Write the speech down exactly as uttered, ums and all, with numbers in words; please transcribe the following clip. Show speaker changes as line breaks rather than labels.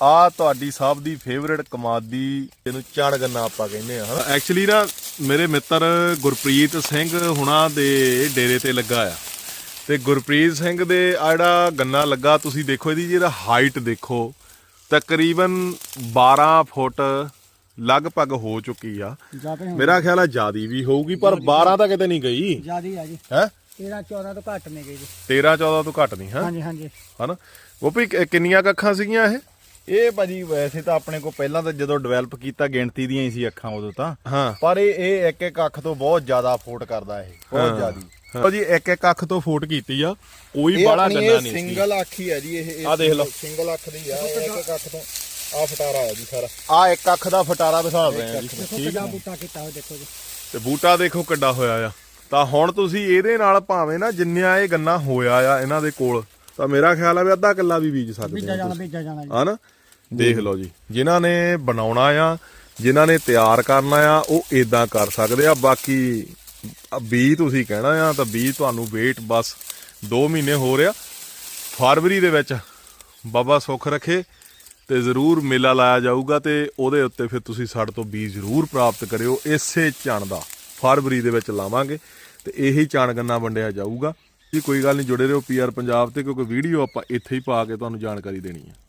ਆ ਤੁਹਾਡੀ ਸਭ ਦੀ ਫੇਵਰੇਟ ਕਮਾਦੀ ਇਹਨੂੰ ਚਣ ਗੰਨਾ ਆਪਾਂ ਕਹਿੰਦੇ ਆ। ਐਕਚੁਅਲੀ ਨਾ ਮੇਰੇ ਮਿੱਤਰ ਗੁਰਪ੍ਰੀਤ ਸਿੰਘ ਹੁਣਾਂ ਦੇ ਡੇਰੇ ਤੇ ਲੱਗਾ ਆ, ਤੇ ਗੁਰਪ੍ਰੀਤ ਸਿੰਘ ਦੇ ਆ ਜਿਹੜਾ ਗੰਨਾ ਲੱਗਾ ਤੁਸੀਂ ਦੇਖੋ ਇਹਦੀ ਜਿਹੜਾ ਹਾਈਟ ਦੇਖੋ ਤਕਰੀਬਨ ਬਾਰਾਂ ਫੁੱਟ ਲਗਭਗ ਹੋ ਚੁੱਕੀ ਆ। ਮੇਰਾ ਖਿਆਲ ਆ ਜਿਆਦੀ ਵੀ ਹੋਊਗੀ, ਪਰ ਬਾਰਾਂ ਤਾਂ ਕਿਤੇ ਨਹੀਂ ਗਈ,
ਜਿਆਦੀ ਆ ਜੀ।
ਹੈ
ਤੇਰਾਂ ਚੌਦਾਂ ਤੋਂ ਘੱਟ ਨਹੀਂ ਗਈ ਜੀ।
ਤੇਰਾਂ ਚੌਦਾਂ ਤੋਂ ਘੱਟ ਨਹੀਂ ਹੈ।
ਹਾਂਜੀ ਹਾਂਜੀ
ਹਨਾ ਉਹ ਵੀ ਕਿੰਨੀਆਂ ਕੁ ਅੱਖਾਂ ਸੀਗੀਆਂ ਇਹ?
ਇਹ ਭਾਜੀ ਵੈਸੇ ਤਾਂ ਆਪਣੇ ਕੋਲ ਪਹਿਲਾਂ ਤਾਂ ਜਦੋਂ ਡਿਵੈਲਪ ਕੀਤਾ ਗਿਣਤੀ ਦੀਆਂ ਹੀ ਸੀ ਅੱਖਾਂ ਉਦੋਂ ਤਾਂ,
ਹਾਂ,
ਪਰ ਇਹ ਇਹ ਇੱਕ ਇੱਕ ਅੱਖ ਤੋਂ ਬਹੁਤ ਜ਼ਿਆਦਾ ਫੋਟ ਕਰਦਾ ਇਹ, ਬਹੁਤ ਜ਼ਿਆਦੀ।
ਹਾਂ ਜੀ, ਇੱਕ ਇੱਕ ਅੱਖ ਤੋਂ ਫੋਟ ਕੀਤੀ ਆ, ਕੋਈ ਬਾਲਾ ਗੰਨਾ ਨਹੀਂ ਸੀ।
ਸਿੰਗਲ ਅੱਖ ਹੀ ਆ ਜੀ ਇਹ।
ਆ ਦੇਖ ਲਓ,
ਸਿੰਗਲ ਅੱਖ ਦੀ ਆ, ਇੱਕ ਇੱਕ ਅੱਖ ਤੋਂ ਆ ਫਟਾਰਾ ਆ ਜੀ ਸਾਰਾ। ਆ ਇੱਕ ਅੱਖ ਦਾ ਫਟਾਰਾ ਦਿਖਾ ਰਹੇ ਆ ਜੀ।
ਠੀਕ ਆ, ਬੂਟਾ ਕੀਤਾ ਹੋਇਆ ਦੇਖੋ ਜੀ,
ਤੇ ਬੂਟਾ ਦੇਖੋ ਕਿੱਡਾ ਹੋਇਆ ਆ। ਤਾਂ ਹੁਣ ਤੁਸੀਂ ਇਹਦੇ ਨਾਲ ਭਾਵੇਂ ਨਾ ਜਿੰਨਾ ਇਹ ਗੰਨਾ ਹੋਇਆ ਆ ਇਹਨਾਂ ਦੇ ਕੋਲ, ਤਾਂ ਮੇਰਾ ਖਿਆਲ ਆ ਵੀ ਅੱਧਾ ਕਿੱਲਾ ਵੀ ਬੀਜ ਸਕਦੇ
ਬੀਜਾ ਜਾਣਾ ਬੀਜਾ ਜਾਣਾ ਜੀ।
ਹਨਾ ਦੇਖ ਲਓ ਜੀ, ਜਿਨ੍ਹਾਂ ਨੇ ਬਣਾਉਣਾ ਆ, ਜਿਨ੍ਹਾਂ ਨੇ ਤਿਆਰ ਕਰਨਾ ਆ, ਉਹ ਇਦਾਂ ਕਰ ਸਕਦੇ ਆ। ਬਾਕੀ ਬੀਜ ਤੁਸੀਂ ਕਹਿਣਾ ਆ ਤਾਂ ਬੀਜ ਤੁਹਾਨੂੰ ਵੇਟ ਬਸ ਦੋ ਮਹੀਨੇ ਹੋ ਰਿਹਾ। ਫਰਵਰੀ ਦੇ ਵਿੱਚ ਬਾਬਾ ਸੁੱਖ ਰੱਖੇ ਤੇ ਜ਼ਰੂਰ ਮੇਲਾ ਲਾਇਆ ਜਾਊਗਾ, ਤੇ ਉਹਦੇ ਉੱਤੇ ਫਿਰ ਤੁਸੀਂ ਸਾਡੇ ਤੋਂ ਬੀਜ ਜ਼ਰੂਰ ਪ੍ਰਾਪਤ ਕਰਿਓ। ਇਸੇ ਚਣ ਦਾ ਫਰਵਰੀ ਦੇ ਵਿੱਚ ਲਾਵਾਂਗੇ ਤੇ ਇਹੀ ਚਣ ਗੰਨਾ ਵੰਡਿਆ ਜਾਊਗਾ ਜੀ। ਕੋਈ ਗੱਲ ਨਹੀਂ, ਜੁੜੇ ਰਹੋ ਪੀ ਆਰ ਪੰਜਾਬ ਤੇ, ਕਿਉਂਕਿ ਵੀਡੀਓ ਆਪਾਂ ਇੱਥੇ ਹੀ ਪਾ ਕੇ ਤੁਹਾਨੂੰ ਜਾਣਕਾਰੀ ਦੇਣੀ ਹੈ।